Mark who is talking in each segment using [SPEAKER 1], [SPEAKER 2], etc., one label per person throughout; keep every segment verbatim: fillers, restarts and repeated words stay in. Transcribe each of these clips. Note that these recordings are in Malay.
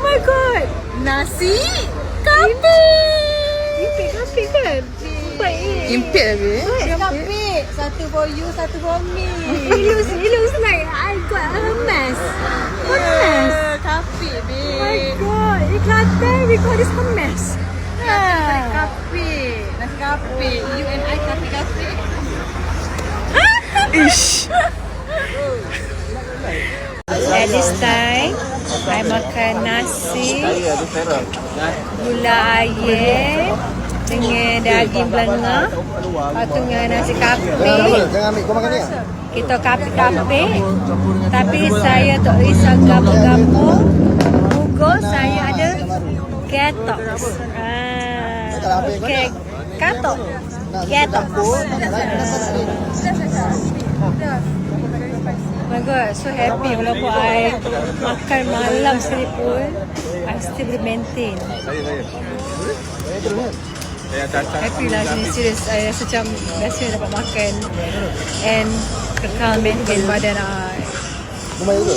[SPEAKER 1] my god. Nasi kapi.
[SPEAKER 2] Impit kapi kan? Baik.
[SPEAKER 3] Impit habis.
[SPEAKER 1] Nasi kapi. Satu for you, satu for me.
[SPEAKER 2] It looks, it looks like I got a mess. What mess?
[SPEAKER 1] Kapi,
[SPEAKER 2] Oh
[SPEAKER 1] babe.
[SPEAKER 2] my god. In Kelantan, we call this a mess.
[SPEAKER 1] Nasi kapi. Nasi kapi. You and I kapi-kapi.
[SPEAKER 3] Ish.
[SPEAKER 2] At this time, I makan nasi, gula air dengan daging belengah. Lepas tu dengan nasi kapi.
[SPEAKER 4] Jangan ambil, kau makan ni.
[SPEAKER 2] Kita kapi-kapi. Tapi saya tak risau gapo-gapo. Muka saya ada ketok. Ah, okay. Katok. Ketok. Oh my god, so happy walaupun I makan malam sekalipun, I still boleh maintain. Happy lah sini, serius. I rasa macam biasa dapat makan and kekal maintain badan I.
[SPEAKER 4] Rumah itu.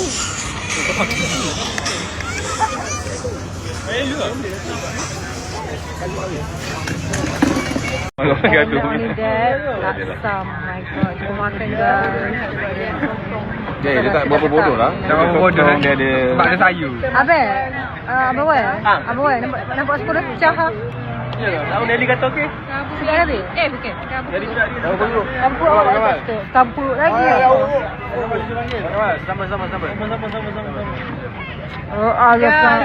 [SPEAKER 5] Kalau
[SPEAKER 2] And
[SPEAKER 5] gaduh.
[SPEAKER 2] not only that, laksa. My god, kita makan guys.
[SPEAKER 5] Dia, dia tak berapa bodoh lah. Tak berapa bodoh. Dia ada sebab dia sayu.
[SPEAKER 2] Abang, uh, Abang Wan, Abang Wan, nampak, nampak sepuluh pecah ha?
[SPEAKER 5] Ya ke? Tahu Nelly kata okey.
[SPEAKER 2] Sudah habis? Eh, bukan.
[SPEAKER 5] Jadi budak dia. Tahu dulu.
[SPEAKER 2] Campur awak kata. Campur lagi.
[SPEAKER 5] Sama sama sama. Sama sama sama sama.
[SPEAKER 2] Oh, Allah.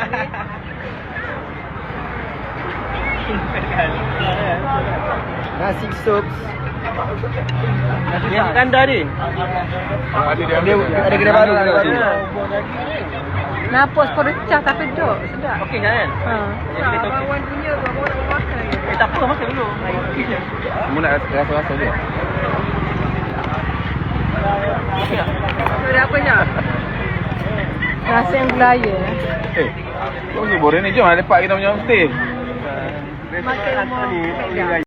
[SPEAKER 4] Nasi sup.
[SPEAKER 5] Yang kanda ni. Ada dia ada kedai baru kedai baru.
[SPEAKER 2] Nampak sepuluh pecah tapi duduk. Sedap.
[SPEAKER 5] Okey kan?
[SPEAKER 2] Ha.
[SPEAKER 5] Abang Wan punya abang nak makan. Eh tak apa makan dulu. Kamu nak rasa-rasa dia.
[SPEAKER 2] Sudah apa nak? Nasi yang gelaya.
[SPEAKER 5] Eh. Kau ni boleh ni jom lepak kita punya homestay.
[SPEAKER 2] Makan rumah.